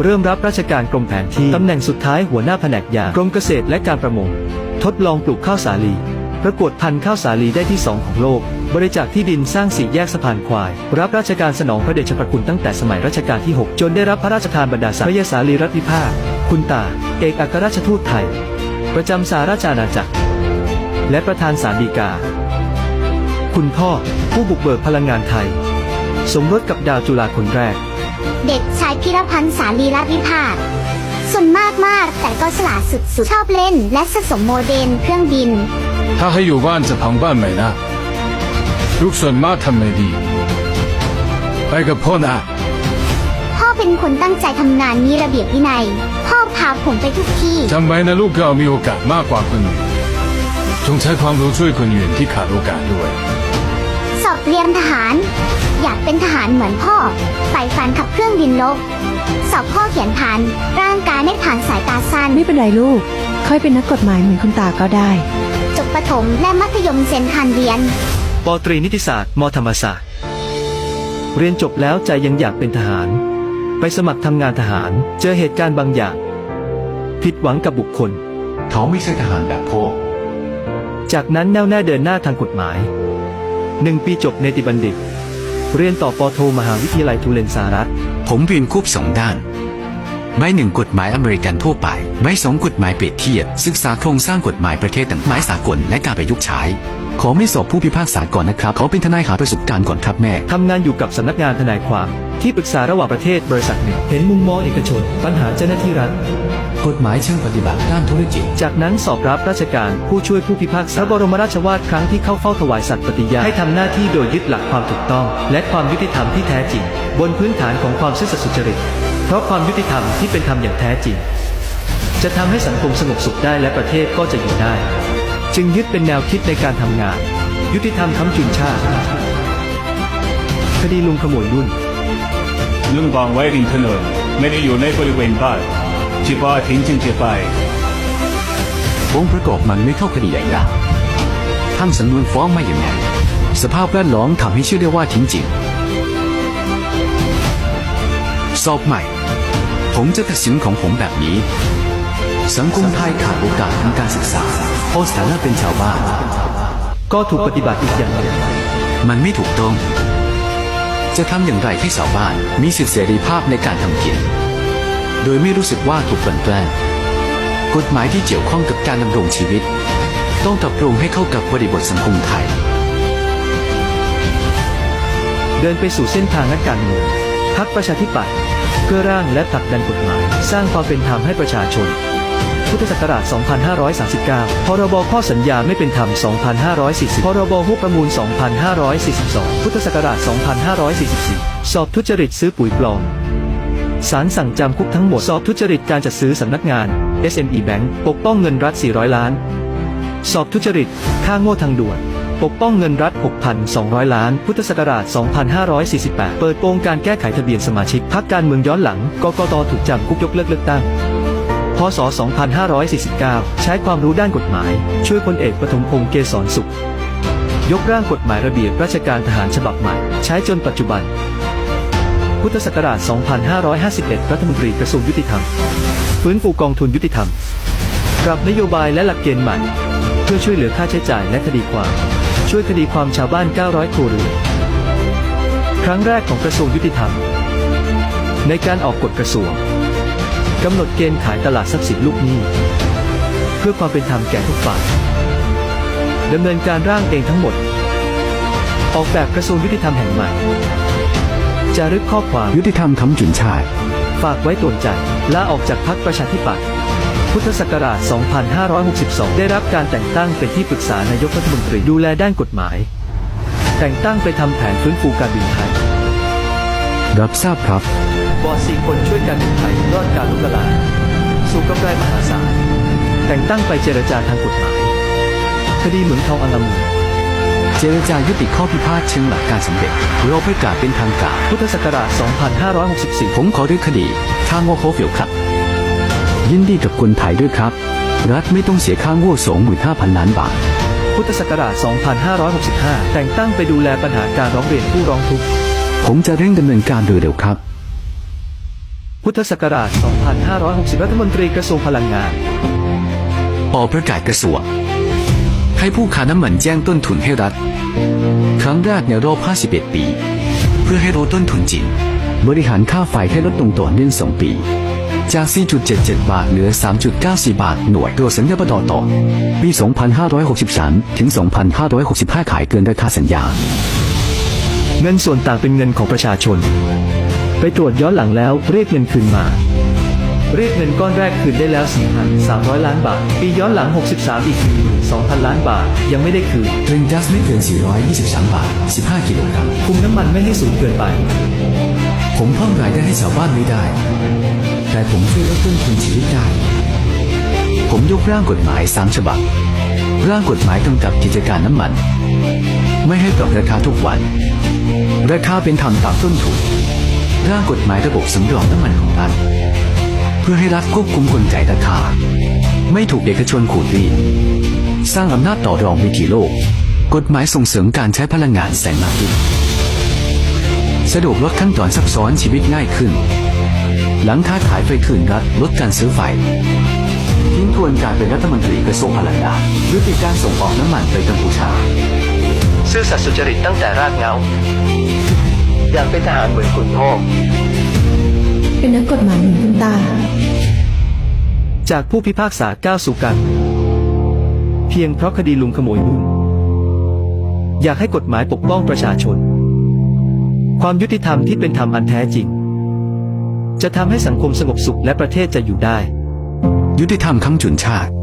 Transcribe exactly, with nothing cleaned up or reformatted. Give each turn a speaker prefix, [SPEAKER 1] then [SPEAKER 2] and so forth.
[SPEAKER 1] เริ่มรับราชการกรมแผนที่ตำแหน่งสุดท้ายหัวหน้าแผนกยางกรมเกษตรและการประมงทดลองปลูกข้าวสาลีประกวดพันธุ์ข้าวสาลีได้ที่สองของโลกบริจาคที่ดินสร้างสี่แยกสะพานควายรับราชการสนองพระเดชพระคุณตั้งแต่สมัยรัชกาลที่หกจนได้รับพระราชทานบรรดาศักดิ์พระยาสาลีรัตนวิภาคคุณตาเอกอัครราชทูตไทยประจำสหราชอาณาจักรและประธานศาลฎีกาคุณพ่อผู้บุกเบิกพลังงานไทยสมรสกับดาวจุฬาคนแรก
[SPEAKER 2] เด็กชายพิรพันธ์สาลีรัตนวิภาคส่วนมากมากแต่ก็ฉลาดสุดๆชอบเล่นและสะสมโมเดลเครื่องบิน
[SPEAKER 3] ถ้าให้อยู่บ้านจะพังบ้านไหมนะลูกส่วนมากทำไม่ดีไปกับพ่อนะ
[SPEAKER 2] พ่อเป็นคนตั้งใจทำงานมีระเบียบวินัยพ่อพาผมไปทุกที่
[SPEAKER 3] จำไว้นะลูกเรามีโอกาสมากกว่าคนอื่นจงใช้ความรู้ช่วยคนอื่นที่ขาดโอกาสด้วย
[SPEAKER 2] สอบเรียนทหารอยากเป็นทหารเหมือนพ่อใฝ่ฝันขับเครื่องบินรบสอบข้อเขียนผ่านร่างกายไม่ผ่านสายตาสั้น
[SPEAKER 4] ไม่เป็นไรลูกค่อยเป็นนักกฎหมายเหมือนคุณตาก็ได้
[SPEAKER 2] จบประถมและมัธยมเซนทันเรียน
[SPEAKER 1] ป.ตรีนิติศาสตร์ม.ธรรมศาสตร์เรียนจบแล้วใจยังอยากเป็นทหารไปสมัครทำงานทหารเจอเหตุการณ์บางอย่างผิดหวังกับบุคคล
[SPEAKER 5] เขาไม่ใช่ทหารแบบพ่อ
[SPEAKER 1] จากนั้นแน่วแน่เดินหน้าทางกฎหมายหนึ่งปีจบเนติบัณฑิตเรียนต่อปโทมหาวิทยาลัยทูเรนสหรัฐ
[SPEAKER 5] ผมเรียนควบสองด้านใบหนึ่งกฎหมายอเมริกันทั่วไปใบสองกฎหมายเปรียบเทียบศึกษาโครงสร้างกฎหมายประเทศต่างๆหมายสากลและการประยุกต์ใช้ขอไม่สอบผู้พิพากษาก่อนนะครับขอเป็นทนายหาประสบการณ์ก่อนครับแม่
[SPEAKER 1] ทำงานอยู่กับสำนักงานทนายความที่ปรึกษาระหว่างประเทศบริษัทหนึ่งเห็นมุมมองเอกชนปัญหาเจ้าหน้าที่รัฐ
[SPEAKER 5] กฎหมายเชิงปฏิบัติด้านธุรกิจ
[SPEAKER 1] จากนั้นสอบรับราชการผู้ช่วยผู้พิพากษาพระบรมราชวาทครั้งที่เข้าเฝ้าถวายสัตย์ปฏิญาณให้ทำหน้าที่โดยยึดหลักความถูกต้องและความยุติธรรมที่แท้จริงบนพื้นฐานของความซื่อสัตย์สุจริตเพราะความยุติธรรมที่เป็นธรรมอย่างแท้จริงจะทำให้สังคมสงบสุขได้และประเทศก็จะอยู่ได้จึงยึดเป็นแนวคิดในการทำงานยุติธรรมค้ำจุนชาติคดีลุงขโมยรุ่น
[SPEAKER 6] ลุงวางไว้ริมถนนไม่ได้อยู่ในบริเวณบ้านจีบาทิ้งจึงจะไป
[SPEAKER 5] องค์ประกอบมันไม่เข้าคดีใหญ่ละทั้งสำนวนฟ้องไม่อย่างไงสภาพแวดล้อมทำให้เชื่อได้ว่าทิ้งจริงสอบใหม่ผมจะตัดสินของผมแบบนี้สังคมไทยขาดโอกาสทางการศึกษาเพราะสถานะเป็นชาวบ้าน
[SPEAKER 1] ก็ถูกปฏิบัติอีกอย่างหนึ่ง
[SPEAKER 5] มันไม่ถูกต้องจะทำอย่างไรให้ชาวบ้านมีสิทธิเสรีภาพในการทำกินโดยไม่รู้สึกว่าถูกกลั่นแกล้งกฎหมายที่เกี่ยวข้องกับการดำรงชีวิตต้องปรับปรุงให้เข้ากับบริบทสังคมไทย
[SPEAKER 1] เดินไปสู่เส้นทางนักการเมืองพรรคประชาธิปัตย์เพื่อร่างและผลักดันกฎหมายสร้างความเป็นธรรมให้ประชาชนพุทธศักราช สองพันห้าร้อยสามสิบเก้า พรบข้อสัญญาไม่เป็นธรรม สองพันห้าร้อยสี่สิบ พรบหุ้นประมูล สองพันห้าร้อยสี่สิบสอง พุทธศักราช สองพันห้าร้อยสี่สิบสี่ สอบทุจริตซื้อปุ๋ยปลอมศาลสั่งจำคุกทั้งหมดสอบทุจริตการจัดซื้อสำนักงาน เอส เอ็ม อี Bank ปกป้องเงินรัฐ สี่ร้อย ล้านสอบทุจริตค่าโง่ทางด่วนปกป้องเงินรัฐ หกพันสองร้อย ล้านพุทธศักราช สองพันห้าร้อยสี่สิบแปด เปิดโปงการแก้ไขทะเบียนสมาชิกพรรคการเมืองย้อนหลังกกต.ถูกจำคุกยกเลิกเลือกตั้งพ.ศ. สองพันห้าร้อยสี่สิบเก้า ใช้ความรู้ด้านกฎหมายช่วยพลเอกปฐมพงษ์เกษรสุขยกร่างกฎหมายระเบียบราชการทหารฉบับใหม่ใช้จนปัจจุบันพุทธศักราช สองพันห้าร้อยห้าสิบเอ็ด รัฐมนตรีกระทรวงยุติธรรมฟื้นฟูกองทุนยุติธรรมปรับนโยบายและหลักเกณฑ์ใหม่เพื่อช่วยเหลือค่าใช้จ่ายและคดีความช่วยคดีความชาวบ้าน เก้าร้อย ครัวเรือนครั้งแรกของกระทรวงยุติธรรมในการออกกฎกระทรวงกำหนดเกณฑ์ขายตลาดทรัพย์สินลูกหนี้เพื่อความเป็นธรรมแก่ทุกฝ่ายดำเนินการร่างเองทั้งหมดออกแบบกระทรวงยุติธรรมแห่งใหม่จารึกข้อความ
[SPEAKER 5] ยุติธรรมค้ำจุนชาติ
[SPEAKER 1] ฝากไว้ตรวจใจลาออกจากพรรคประชาธิปัตย์พุทธศักราช สองพันห้าร้อยหกสิบสอง ได้รับการแต่งตั้งเป็นที่ปรึกษานายกรัฐมนตรีดูแลด้านกฎหมายแต่งตั้งไปทำแผนฟื้นฟูการบินไทย
[SPEAKER 5] รับทราบครับ
[SPEAKER 1] บอร์ดสี่คนช่วยการบินไทยรอดการล้มละลายสู่กำไรมหาศาลแต่งตั้งไปเจรจาทางกฎหมายคดีเหมืองทองอัลลามู
[SPEAKER 5] เจรจายุติข้อพิพาทเชิงหลักการสำเร็จเราประกาศเป็นทางการ
[SPEAKER 1] พุทธศักราช สองพันห้าร้อยหกสิบสี่
[SPEAKER 5] ผมขอรื้อคดีค่าโง่โคฟิลครับยินดีกับคนไทยด้วยครับรัฐไม่ต้องเสียค่าโง่ สองหมื่นห้าพัน ล้านบาท
[SPEAKER 1] พุทธศักราช สองพันห้าร้อยหกสิบห้า แต่งตั้งไปดูแลปัญหาการร้องเรียนผู้ร้องทุกข์
[SPEAKER 5] ผมจะเร่งดำเนินการโดยเร็วครับ
[SPEAKER 1] พุทธศักราช สองพันห้าร้อยหกสิบ รัฐมนตรีกระทรวงพลังงาน
[SPEAKER 5] ออกประกาศกระทรวงให้ผู้ค้าน้ำมันแจ้งต้นทุนให้รัฐ ครั้งแรกในรอบ ห้าสิบเอ็ด ปี เพื่อให้ลดต้นทุนจริง บริหารค่าไฟให้ลดลงต่อเนื่องสองปี จาก สี่จุดเจ็ดเจ็ด บาทเหลือ สามจุดเก้าสี่ บาทหน่วยตัวสัญญาประดอต่อ ปี สองพันห้าร้อยหกสิบสาม ถึง สองพันห้าร้อยหกสิบห้า ขายเกินราคาสัญญา
[SPEAKER 1] เงินส่วนต่างเป็นเงินของประชาชน ไปตรวจย้อนหลังแล้วเรียกเงินคืนมา เรียกเงินก้อนแรกคืนได้แล้ว สี่พันสามร้อย ล้านบาท ปีย้อนหลัง หกสิบสาม อีก หนึ่งหมื่นสองพัน ล้านบาท ยังไม่ได้คืน
[SPEAKER 5] ตรึงแก๊สไม่เกิน สี่ร้อยยี่สิบสาม บาท สิบห้า กิโลกรัม
[SPEAKER 1] คุมน้ำมันไม่ให้สูงเกินไป
[SPEAKER 5] ผมเพิ่มรายได้ให้ชาวบ้านไม่ได้ แต่ผมช่วยลดต้นทุนชีวิตได้ ผมยกร่างกฎหมายสามฉบับ ร่างกฎหมายกำกับกิจการน้ำมัน ไม่ให้ปรับราคาทุกวัน ราคาเป็นธรรมตามต้นทุน ร่างกฎหมายระบบสำรองน้ำมันของรัฐ เพื่อให้รัฐควบคุมกลไกราคา ไม่ถูกเอกชนขูดรีด สร้างอำนาจต่อรองวิถีโลก กฎหมายส่งเสริมการใช้พลังงานแสงอาทิตย์สะดวกลดขั้นตอนซับซ้อนชีวิตง่ายขึ้น หลังค้าขายไฟคืนรัฐลดการซื้อไฟทิ้งทวนการเป็นรัฐมนตรีกระทรวงพลังงานยุติการส่งออกน้ำมันไปกัมพูชา
[SPEAKER 1] ซื่อสัตย์สุจริตตั้งแต่รากเหง้า อยากเป็นทหารเหมือนคุณพ่อ
[SPEAKER 4] เป็นนักกฎหมายเหมือนคุณตา
[SPEAKER 1] จากผู้พิพากษาก้าวสู่การเมืองเพียงเพราะคดีลุงขโมยหุ้น อยากให้กฎหมายปกป้องประชาชน ความยุติธรรมที่เป็นธรรมอันแท้จริง จะทำให้สังคมสงบสุขและประเทศจะอยู่ได้
[SPEAKER 5] ยุติธรรมคำจุนชาติ